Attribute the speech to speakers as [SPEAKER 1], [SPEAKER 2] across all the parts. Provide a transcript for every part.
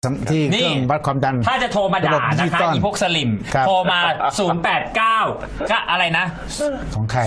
[SPEAKER 1] ที่เครื่องวัดความดัน
[SPEAKER 2] ถ้าจะโทรมาด่านะคะอีพวกสลิมโทรมา089ก็อะไรนะ
[SPEAKER 1] ของใคร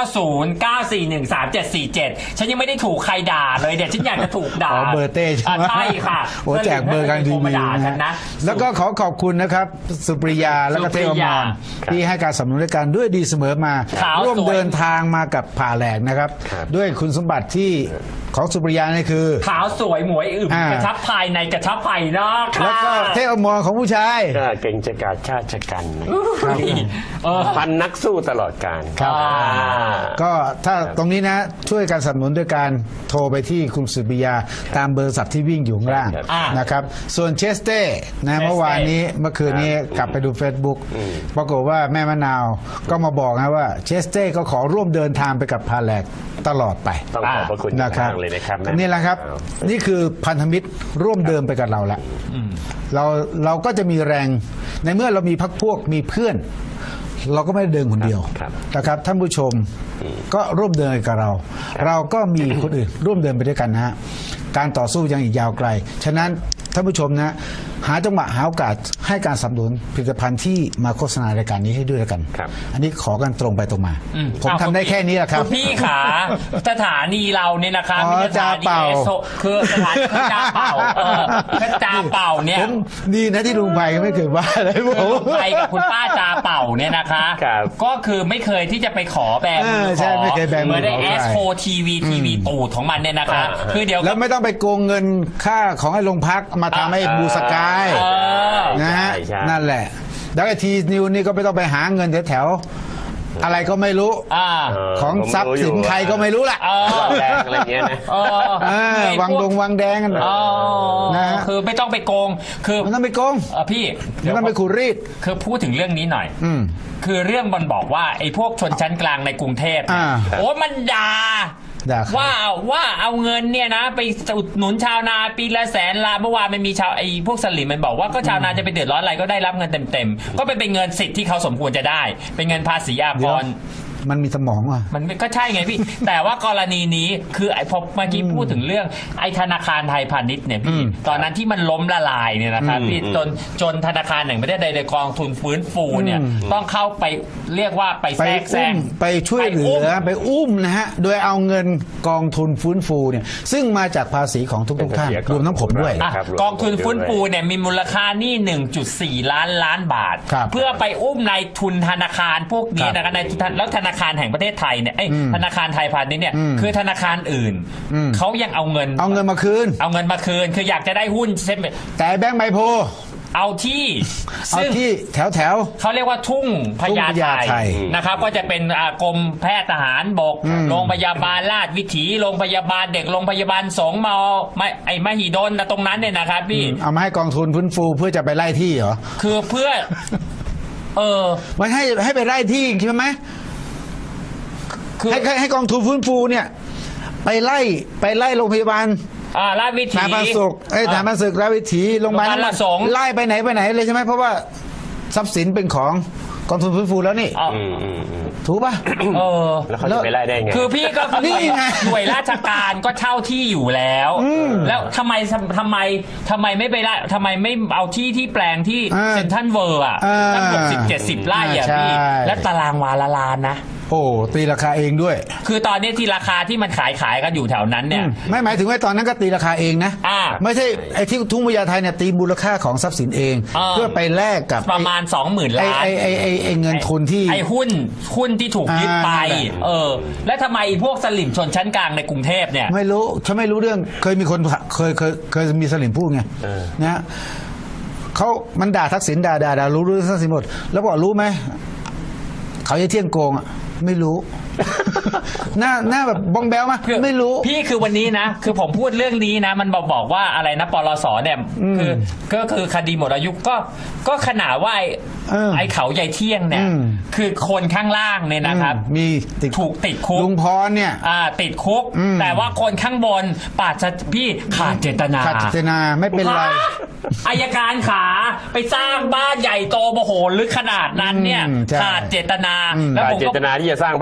[SPEAKER 2] 0909413747ฉันยังไม่ได้ถูกใครด่าเลยเดี๋ยวฉันอยากจะถูกด่า
[SPEAKER 1] เบอร์เต้
[SPEAKER 2] ใช่ค่ะ
[SPEAKER 1] โอ้แจกเบอร์กันดีนะแล้วก็ขอบคุณนะครับสุปริยาและก็เทวมรที่ให้การสนับสนุนในการด้วยดีเสมอมาร่วมเดินทางมากับผ่าแหลกนะครับด้วยคุณสมบัติที่ของสุปริยานี่คือ
[SPEAKER 2] ขาวสวยหมวยอึมกระชับภายในกระชับภายนอก
[SPEAKER 1] แล้วก็เทวมรของผู้ชาย
[SPEAKER 3] เก่งจะกาชาติกันพันนักสู้ตลอดกาล
[SPEAKER 1] ก็ถ้าตรงนี้นะช่วยการสนับสนุนด้วยการโทรไปที่คุณสุปริยาตามเบอร์ศัพท์ที่วิ่งอยู่ข้างล่างนะครับส่วนเชสเต้นะเมื่อคืนนี้กลับไปดู Facebook ปรากฏว่าแม่มะนาวก็มาบอกนะว่าเชสเต้ก็ขอร่วมเดินทางไปกับพาแหลกตลอดไป
[SPEAKER 3] ต้องขอบพระคุณ
[SPEAKER 1] นะครับนี่แหละครับนี่คือพันธมิตรร่วมเดินไปกับเราแล้วเราก็จะมีแรงในเมื่อเรามีพรรคพวกมีเพื่อนเราก็ไม่ได้เดินคนเดียวนะครับท่านผู้ชมก็ร่วมเดินกับเราก็มีคนอื่นร่วมเดินไปด้วยกันนะฮะการต่อสู้ยังอีกยาวไกลฉะนั้นท่านผู้ชมนะหาจังหวะหาโอกาสให้การสนับสนุนผลิตภัณฑ์ที่มาโฆษณารายการนี้ให้ด้วยกันอันนี้ขอกันตรงไปตรงมาผมทำได้แค่นี้แหละครับ
[SPEAKER 2] พี่ขาสถานีเราเนี่ยนะคะมีสถานีคือสถานีจ่าเป่าจ่าเป่าเนี่ย
[SPEAKER 1] ดีนะที่ลุงไพไม่เคยว่าอะไรผม
[SPEAKER 2] ลุงไพกับคุณป้าจ่าเป่าเนี่ยนะคะก็คือไม่เคยที่จะไปขอแบง
[SPEAKER 1] ใช่ไม่เคยแบง
[SPEAKER 2] เหมือนได้แอสโคทีวีตูดของมันเนี่ยนะคะคือเดี๋ยว
[SPEAKER 1] แล้วไม่ต้องไปโกงเงินค่าของไอ้โรงพักมาทำให้บูสกายนะฮะนั่นแหละแล้วไอทีนิวนี่ก็ไม่ต้องไปหาเงินแถวอะไรก็ไม่รู้ของทรัพย์สินใครก็ไม่รู้แหละ
[SPEAKER 3] แดงอะไรเงี้ยนะ
[SPEAKER 1] วังแดงกัน
[SPEAKER 2] นะคือไม่ต้องไปโกงคือ
[SPEAKER 1] ไม่ต้องไปโกง
[SPEAKER 2] พี่
[SPEAKER 1] ไม่ต้องไปขูดรีด
[SPEAKER 2] คือพูดถึงเรื่องนี้หน่อยคือเรื่องมันบอกว่าไอ้พวกชนชั้นกลางในกรุงเทพโอ้มันด่าว่าเอาเงินเนี่ยนะไปอุดหนุนชาวนาปีละแสนล้านเมื่อวานมันมีชาวไอ้พวกสลิมมันบอกว่าก็ชาวนาจะไปเดือดร้อนอะไรก็ได้รับเงินเต็มก็เป็นเงินสิทธิ์ที่เขาสมควรจะได้เป็นเงินภาษีอากร
[SPEAKER 1] มันมีสมองอ่ะ
[SPEAKER 2] มันก็ใช่ไงพี่ แต่ว่ากรณีนี้คือไอ้พอเมื่อกี้พูดถึงเรื่องไอ้ธนาคารไทยพาณิชย์เนี่ยพี่ตอนนั้นที่มันล้มละลายเนี่ยนะครับพี่จนธนาคารแห่งประเทศใดกองทุนฟื้นฟูเนี่ยต้องเข้าไปเรียกว่าไปแทรกแซง
[SPEAKER 1] ไปช่วยเหลือไปอุ้มนะฮะโดยเอาเงินกองทุนฟื้นฟูเนี่ยซึ่งมาจากภาษีของทุกท่านรวมทั้งผมด้วย
[SPEAKER 2] กองทุนฟื้นฟูเนี่ยมีมูลค่านี่1.4 ล้านบาทเพื่อไปอุ้มนายทุนธนาคารพวกนี้นะครับนายทุนแล้วธนาคารแห่งประเทศไทยเนี่ยธนาคารไทยพาณิชย์เนี่ยคือธนาคารอื่นเขายังเอาเงิน
[SPEAKER 1] มาคืน
[SPEAKER 2] คืออยากจะได้หุ้นใช่ไหม
[SPEAKER 1] แต่แบงก์ใบโพ
[SPEAKER 2] เอาที่
[SPEAKER 1] แถว
[SPEAKER 2] เขาเรียกว่าทุ่งพญาไทนะครับก็จะเป็นกรมแพทย์ทหารบกโรงพยาบาลราชวิถีโรงพยาบาลเด็กโรงพยาบาลสงฆ์มหิดลตรงนั้นเนี่ยนะครับพี่
[SPEAKER 1] เอามาให้กองทุนฟื้นฟูเพื่อจะไปไล่ที่เหรอ
[SPEAKER 2] คือเพื่อ
[SPEAKER 1] มันให้ไปไล่ที่ใช่ไหมให้กองทุนฟื้นฟูเนี่ยไปไล่โรงพยาบาล
[SPEAKER 2] ราชวิถี
[SPEAKER 1] ฐานพันศึกฐานพันศึกราชวิถีโรงพยาบาล
[SPEAKER 2] ละสง
[SPEAKER 1] ไล่ไปไหนเลยใช่ไหมเพราะว่าทรัพย์สินเป็นของกองทุนฟื้นฟูแล้วนี่ถูกป่ะ
[SPEAKER 3] แล้วเขาจะไปไล่ได้ไง
[SPEAKER 2] คือพี่ก็นี่ไงหน่วยราชการก็เช่าที่อยู่แล้วแล้วทำไมไม่ไปไล่ทำไมไม่เอาที่แปลงที่เซ็นทรัลเวิร์ตั้ง60-70 ไร่อ่ะพี่และตารางวาละล้านนะ
[SPEAKER 1] โอ้ตีราคาเองด้วย
[SPEAKER 2] คือตอนนี้ที่ราคาที่มันขายกันอยู่แถวนั้นเนี่ย
[SPEAKER 1] ไม่หมายถึงว่าตอนนั้นก็ตีราคาเองนะไม่ใช่ไอ้ที่ทุ่งพญาไทเนี่ยตีมูลค่าของทรัพย์สินเองเพื่อไปแลกกับ
[SPEAKER 2] ประมาณ 20,000 ล้าน
[SPEAKER 1] ไอ้เงินทุนที่
[SPEAKER 2] ไอ้หุ้นที่ถูกยึดไปแล้วทำไมพวกสลิมชนชั้นกลางในกรุงเทพเนี่ย
[SPEAKER 1] ไม่รู้ฉันไม่รู้เรื่องเคยมีคนเคยมีสลิมพูดไงนะมันด่าทักษิณด่ารู้เรื่องทักษิณหมดแล้วบอกรู้ไหมเขาจะเที่ยงโกงอ่ะไม่รู้หน้าแบบบองแบลมาไม่รู้
[SPEAKER 2] พี่คือวันนี้นะคือผมพูดเรื่องนี้นะมันบอกว่าอะไรนะปลสเนี่ยก็คือคดีหมดอายุก็ขนาดว่าไอ้เขาใหญ่เที่ยงเนี่ยคือคนข้างล่างเนี่ยนะครับ
[SPEAKER 1] มี
[SPEAKER 2] ถูกติดคุก
[SPEAKER 1] ลุงพรเนี่ย
[SPEAKER 2] ติดคุกแต่ว่าคนข้างบนพี่ขาดเจตนา
[SPEAKER 1] ไม่เป็นไร
[SPEAKER 2] อัยการขาไปสร้างบ้านใหญ่โตมโหฬารขนาดนั้นเนี่ยขาดเจตนา
[SPEAKER 3] แล้วผมเจตนาที่จะสร้างบ้านเนี่ยนะ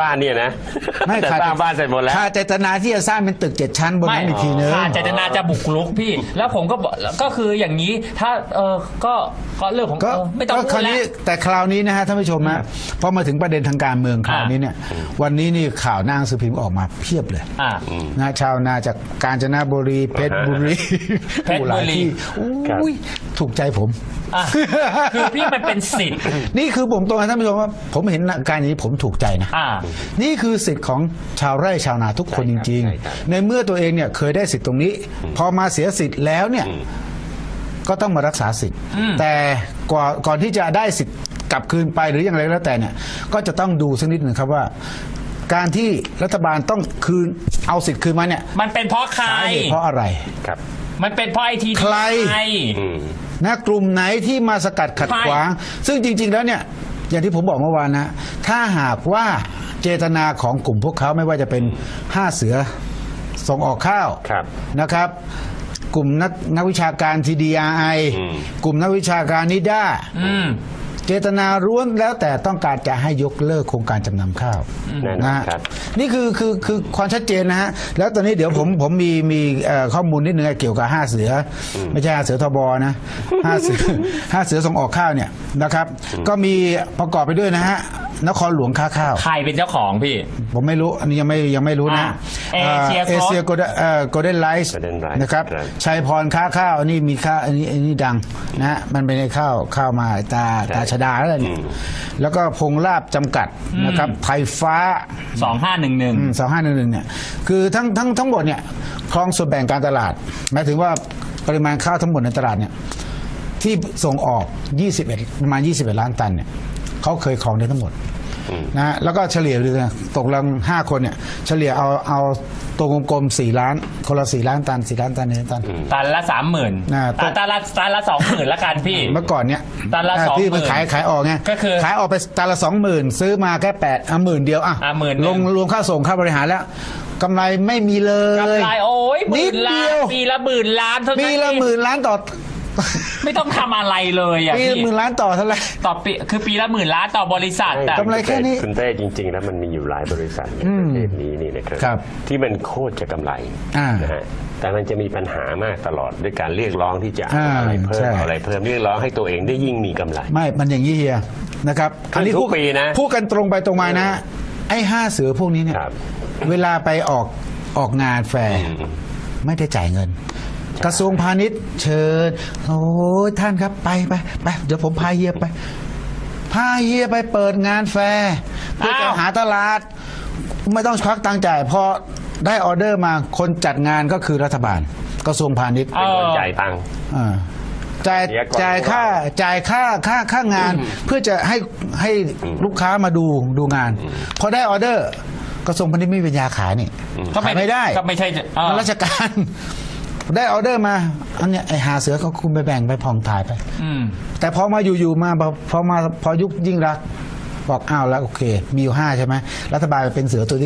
[SPEAKER 3] นะ
[SPEAKER 1] ไม่
[SPEAKER 3] แต่
[SPEAKER 1] ขาด
[SPEAKER 3] สร้างบ้านเสร็จหมดแล้ว
[SPEAKER 1] ขาดเจตนาที่จะสร้างเป็นตึก7 ชั้นบนนั้นอีกทีนึง
[SPEAKER 2] ขาดเจตนาจะบุกรุกพี่ แล้วผมก็บอกก็คืออย่างนี้ถ้าก็เรื่องของ
[SPEAKER 1] ก็
[SPEAKER 2] ไม่ต้อง
[SPEAKER 1] ก็
[SPEAKER 2] พู
[SPEAKER 1] ครา
[SPEAKER 2] ด
[SPEAKER 1] ว
[SPEAKER 2] แล้
[SPEAKER 1] นี้
[SPEAKER 2] ว
[SPEAKER 1] แต่คราวนี้นะฮะท่านผู้ชมนะพอมาถึงประเด็นทางการเมืองคราวนี้เนี่ยวันนี้นี่ข่าวหน้าหนังสือพิมพ์ออกมาเพียบเลยนะชาวนาจากกาญจนบุรีเพชรบุรี
[SPEAKER 2] เพชรบุรี
[SPEAKER 1] อุ้ยถูกใจผม
[SPEAKER 2] คือพี่มันเป็นสิทธิ์
[SPEAKER 1] นี่คือผมตรงนะท่านผู้ชมว่าผมเห็นการอย่างนี้ผมถูกใจนะนี่คือสิทธิ์ของชาวไร่ชาวนาทุกคนจริงๆในเมื่อตัวเองเนี่ยเคยได้สิทธิ์ตรงนี้ พอมาเสียสิทธิ์แล้วเนี่ยก็ต้องมารักษาสิทธิ์แต่ก่อนที่จะได้สิทธิ์กลับคืนไปหรืออย่างไรก็แล้วแต่เนี่ยก็จะต้องดูสักนิดหนึ่งครับว่า การที่รัฐบาลต้องคืนเอาสิทธิ์คืนมาเนี่ย
[SPEAKER 2] มันเป็นเพราะใคร
[SPEAKER 1] สาเหตุเพราะอะไร
[SPEAKER 3] ครับ
[SPEAKER 2] มันเป็นเพราะไอที
[SPEAKER 1] ใคร นะกลุ่มไหนที่มาสกัดขัดขวาง ซึ่งจริง ๆ แล้วเนี่ยอย่างที่ผมบอกเมื่อวานนะถ้าหากว่าเจตนาของกลุ่มพวกเขาไม่ว่าจะเป็น5 เสือส่งออกข้าวนะครับ กลุ่มนักวิชาการ TDRI กลุ่มนักวิชาการนิด้าเจตนาล้วนแล้วแต่ต้องการจะให้ยกเลิกโครงการจำนำข้าวนะนี่คือความชัดเจนนะฮะแล้วตอนนี้เดี๋ยวผมมีข้อมูลนิดนึงเกี่ยวกับ5 เสือไม่ใช่5 เสือทบนะ5 เสือส่งออกข้าวเนี่ยนะครับก็มีประกอบไปด้วยนะฮะนครหลวงค้าข้าว
[SPEAKER 2] ใครเป็นเจ้าของพี่
[SPEAKER 1] ผมไม่รู้อันนี้ยังไม่รู้นะเอเชียโกลเด้นไลท์นะครับชัยพรค้าข้าวอันนี้มีข้าวอันนี้ดังนะฮะมันเป็นข้าวมาตาชดาแล้วเนี่ยแล้วก็พงลาบจำกัดนะครับไทยฟ้า
[SPEAKER 2] 2511
[SPEAKER 1] เนี่ยคือทั้งหมดเนี่ยครองส่วนแบ่งการตลาดหมายถึงว่าปริมาณข้าวทั้งหมดในตลาดเนี่ยที่ส่งออกประมาณ21 ล้านตันเนี่ยเขาเคยครองได้ทั้งหมดนะแล้วก็เฉลี่ยดูนะตกลง5 คนเนี่ยเฉลี่ยเอาตัวกลมๆ4 ล้านคนละ4 ล้านตัน4 ล้านตัน1 ตัน
[SPEAKER 2] ตันละ 30,000ตันละ 20,000ละกันพี่
[SPEAKER 1] เมื่อก่อนเนี่ย
[SPEAKER 2] ตันละ 20,000
[SPEAKER 1] ที่มันขายออกไง
[SPEAKER 2] ก็คือ
[SPEAKER 1] ขายออกไปตันละ 20,000ซื้อมาแค่10,000เดียวลงรวมค่าส่งค่าบริหารแล้วกำไรไม่มีเลย
[SPEAKER 2] กำไรโอ้ย10,000 ล้านปีละ10,000 ล้านเท่านั้น
[SPEAKER 1] ปีละ10,000 ล้านต่อ
[SPEAKER 2] ไม่ต้องทำอะไรเลยอ่ะ
[SPEAKER 1] ปีละ10,000 ล้านต่อเท่าไหร่
[SPEAKER 2] ต่อปีคือปีละ10,000 ล้านต่อบริษัทแต่
[SPEAKER 1] กำไรแค่นี้
[SPEAKER 3] คุณเต้จริงๆแล้วมันมีอยู่หลายบริษัทในประเทศนี้นี่นะครับที่มันโคตรจะกำไรนะฮะแต่มันจะมีปัญหามากตลอดด้วยการเรียกร้องที่จะอะไรเพิ่มอะไรเพิ่มเรียกร้องให้ตัวเองได้ยิ่งมีกำไร
[SPEAKER 1] ไม่มันอย่างนี้เฮียนะครับ
[SPEAKER 3] อันนี้ทุกปีนะ
[SPEAKER 1] พูดกันตรงไปตรงมานะไอ้5 เสือพวกนี้เนี่ยเวลาไปออกงานแฟร์ไม่ได้จ่ายเงินกระทรวงพาณิชย์เชิญโอ้ท่านครับไปเดี๋ยวผมพาเฮียไปเปิดงานแฟร์เพื่อจะหาตลาดไม่ต้องควักตังค์จ่ายพอได้ออเดอร์มาคนจัดงานก็คือรัฐบาลกระทรวงพาณิชย์
[SPEAKER 3] เป็นคนจ่ายตังค์
[SPEAKER 1] จ่ายค่างานเพื่อจะให้ลูกค้ามาดูงานพอได้ออเดอร์กระทรวงพาณิชย์ไม่มีปัญญาขายนี่ขายไม่ได้
[SPEAKER 2] ก็ไม่ใช่
[SPEAKER 1] ราชการได้ออเดอร์มาอันเนี้ยไอ้5 เสือเขาคุณไปแบ่งไปผ่องถ่ายไปแต่พอมาอยู่มาพอยุคยิ่งรักบอกอ้าวแล้วโอเคมีอยู่5ใช่ไหมรัฐบาลเป็นเสือตัวที่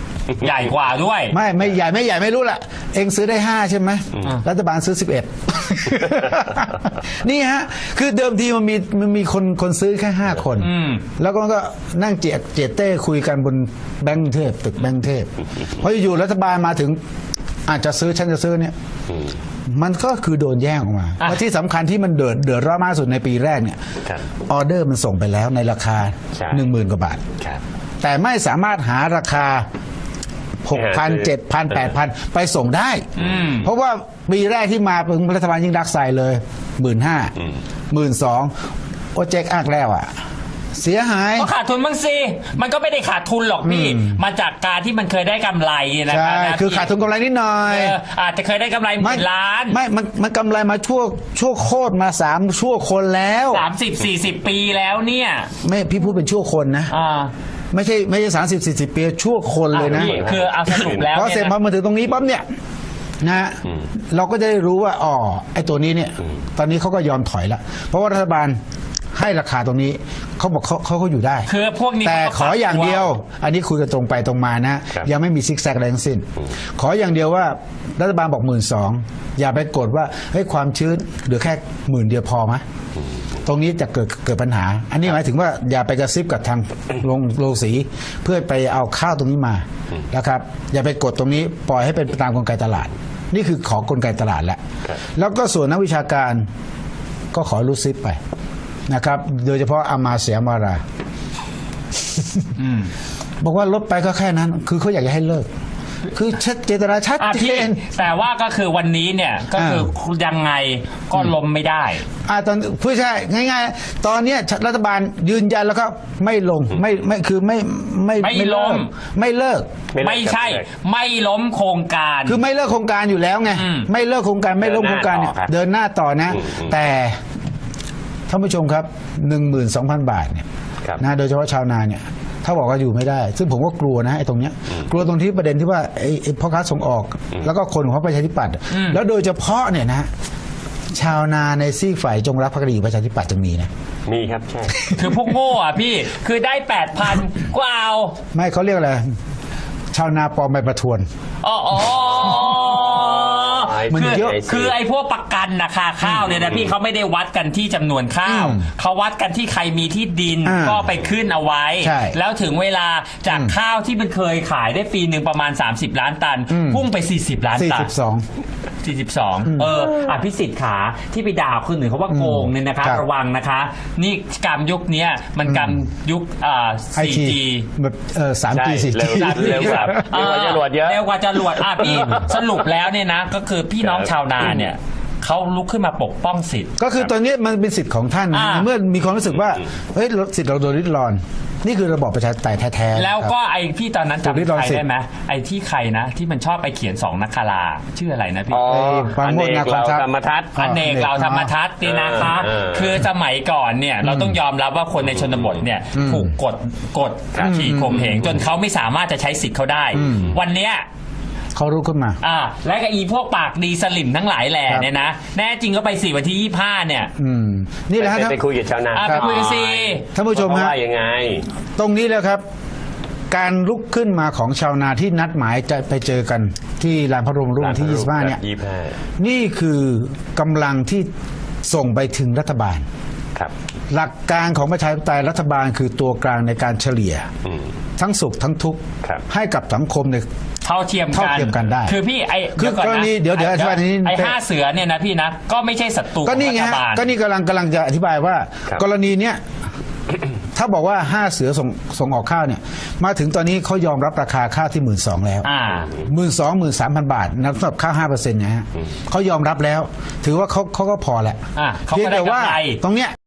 [SPEAKER 1] 6
[SPEAKER 2] ใหญ่กว่าด้วย
[SPEAKER 1] ไม่ใหญ่ไม่รู้ละเองซื้อได้5ใช่ไหมรัฐบาลซื้อ11นี่ฮะคือเดิมทีมันมีคนซื้อแค่5 คนแล้วก็นั่งเจียเต้คุยกันบนแบงก์เทพตึกแบงก์เทพพออยู่รัฐบาลมาถึงอาจจะซื้อฉันจะซื้อเนี่ยมันก็คือโดนแย่งออกมาและที่สำคัญที่มันเดือดร้อนมากสุดในปีแรกเนี่ยออเดอร์มันส่งไปแล้วในราคา 10,000 กว่าบาทแต่ไม่สามารถหาราคา 6,000 7,000 8,000 ไปส่งได้เพราะว่าปีแรกที่มาเป็นรัฐบาลยิ่งรักใส่เลย 15,000 12,000โอเจ๊กอักแล้วอ่ะเสียหาย
[SPEAKER 2] ก็ขาดทุนบ้างสิมันก็ไม่ได้ขาดทุนหรอกพี่มาจากการที่มันเคยได้กำไรนะครับ
[SPEAKER 1] ใช่คือขาดทุนกำไรนิดหน่อย
[SPEAKER 2] อาจจะเคยได้กำไร10,000 ล้าน
[SPEAKER 1] ไม่มันกำไรมาชั่วโคตรมา3 ชั่วคนแล้ว
[SPEAKER 2] 30-40 ปีแล้วเนี่ย
[SPEAKER 1] ไม่พี่พูดเป็นชั่วคนนะไม่ใช่30-40 ปีชั่วคนเลยนะ
[SPEAKER 2] คือเอาสรุปแล้ว
[SPEAKER 1] พอเสร็จพอมาถึงตรงนี้ปั๊บเนี่ยนะเราก็จะได้รู้ว่าไอ้ตัวนี้เนี่ยตอนนี้เขาก็ยอมถอยแล้วเพราะว่ารัฐบาลให้ราคาตรงนี้เขาบอกเขาก็อยู่ได้
[SPEAKER 2] คือพวกนี้
[SPEAKER 1] แต่
[SPEAKER 2] เขาก็
[SPEAKER 1] ขออย่างเดียว
[SPEAKER 2] ปรับตัว
[SPEAKER 1] อันนี้คุยกันตรงไปตรงมานะ ยังไม่มีซิกแซกอะไรทั้งสิ้น ขออย่างเดียวว่ารัฐบาลบอก12,000อย่าไปกดว่าเฮ้ยความชื้นเหลือแค่10,000เดียวพอไหมตรงนี้จะเกิดปัญหา อันนี้หมายถึงว่าอย่าไปกระซิบกับทางโรงสีเพื่อไปเอาข้าวตรงนี้มานะครับอย่าไปกดตรงนี้ปล่อยให้เป็นตามกลไกตลาด นี่คือขอกลไกตลาดแหละแล้วก็ส่วนนักวิชาการก็ขอรูดซิปไปนะครับ โดยเฉพาะอามาเสียมาราบอกว่าลดไปก็แค่นั้น คือเขาอยากจะให้เลิก คือชัดเจตนาชัดเจ
[SPEAKER 2] พี่
[SPEAKER 1] น
[SPEAKER 2] แต่ว่าก็คือวันนี้เนี่ยก็คือยังไงก็ล้มไม่ได้
[SPEAKER 1] ตอนผู้ใช่ง่ายๆ ตอนเนี้ยรัฐบาลยืนยันแล้วก็ไม่ลงไม่คือไม่เลิกไม่เลิก
[SPEAKER 2] ไม่ใช่ไม่ล้มโครงการ
[SPEAKER 1] คือไม่เลิกโครงการอยู่แล้วไงไม่เลิกโครงการไม่ล้มโครงการเนี่ยเดินหน้าต่อนะ แต่ท่านผู้ชมครับ 12,000 บาทเนี่ยนะโดยเฉพาะชาวนาเนี่ยถ้าบอกว่าอยู่ไม่ได้ ซึ่งผมก็กลัวนะไอ้ตรงเนี้ยกลัวตรงที่ประเด็นที่ว่าไอ้พ่อค้าส่งออก แล้วก็คนของพรรคประชาธิปัตย์แล้วโดยเฉพาะเนี่ยนะชาวนาในซีกฝ่ายจงรักภักดีประชาธิปัตย์จะมีนะ
[SPEAKER 3] มีครับใช่
[SPEAKER 2] คือพวกโง่อ่ะพี่คือได้ 8,000ก็เอา
[SPEAKER 1] ไม่เขาเรียกอะไรชาวนาปลอมใบประทวน
[SPEAKER 2] อ๋อ
[SPEAKER 1] มันเยอะ
[SPEAKER 2] คือไอ้พวกประกันราคาข้าวเนี่ยนะพี่เขาไม่ได้วัดกันที่จำนวนข้าวเขาวัดกันที่ใครมีที่ดินก็ไปขึ้นเอาไว้ แล้วถึงเวลาจากข้าวที่มันเคยขายได้ปีหนึ่งประมาณ30 ล้านตันพุ่งไป40 ล้านตัน42พิสิทธิ์ขาที่ไปด่าคนอื่นเขาว่าโกงเนี่ยนะคะระวังนะคะ นี่กรรมยุคนี้มันกรรมยุค4G
[SPEAKER 1] แบบ 3G 4G
[SPEAKER 3] เร็วกว่าจรวดเยอะ
[SPEAKER 2] เร็วกว่าจรวดพี่สรุปแล้วเนี่ยนะก็คือพี่น้องชาวนาเนี่ยเขาลุกขึ้นมาปกป้องสิทธิ์
[SPEAKER 1] ก็คือตอนนี้มันเป็นสิทธิ์ของท่านเมื่อมีความรู้สึกว่าเฮ้ยสิทธิ์เราโดนริดรอนนี่คือระบอบประชาธิปไตยแท้ๆ
[SPEAKER 2] แล้วก็ไอพี่ตอนนั้นจำใครได้ไหมไอที่ใครนะที่มันชอบไปเขียน2นักคาราชื่ออะไรนะพี่
[SPEAKER 1] ปราโมช
[SPEAKER 3] อเนกเราธรรมทัศน์
[SPEAKER 2] อเนกเราธรรมทัศน์นี่นะคะคือสมัยก่อนเนี่ยเราต้องยอมรับว่าคนในชนบทเนี่ยถูกกดขี่ข่มเหงจนเขาไม่สามารถจะใช้สิทธิ์เขาได้วันเนี้ย
[SPEAKER 1] เขารู้ขึ้นมา
[SPEAKER 2] และก็อีพวกปากดีสลิมทั้งหลายแหล่เนี่ยนะแน่จริงก็ไป4 วันที่25เนี่ย
[SPEAKER 1] นี่แหละครับ
[SPEAKER 3] ไปคุยกับชาวนา
[SPEAKER 2] ไปคุยกันสิ
[SPEAKER 1] ท่านผู้ชมฮะ
[SPEAKER 3] ว่ายังไง
[SPEAKER 1] ตรงนี้แล้วครับการลุกขึ้นมาของชาวนาที่นัดหมายจะไปเจอกันที่ลานพระบรมรูปที่25เนี่ยนี่คือกำลังที่ส่งไปถึงรัฐบาลหลักการของประชาธิปไตยรัฐบาลคือตัวกลางในการเฉลี่ยทั้งสุขทั้งทุกข์ให้กับสังคมใน
[SPEAKER 2] เท่าเทียม
[SPEAKER 1] กันได้
[SPEAKER 2] คือพี่
[SPEAKER 1] คือกรณีเดี๋ยวอธิบายนี้
[SPEAKER 2] ไอ้5 เสือเนี่ยนะพี่นะก็ไม่ใช่ศัตรู
[SPEAKER 1] ก็นี่ไงก็นี่กำลังจะอธิบายว่ากรณีเนี้ยถ้าบอกว่า5 เสือส่งออกข้าวเนี่ยมาถึงตอนนี้เขายอมรับราคาข้าวที่12,000แล้ว13,000 บาทนับสำหรับข้าว 5% นะฮะเขายอมรับแล้วถือว่าเขาก็พอแหละเพียงแต่ว่าตรงเนี้ย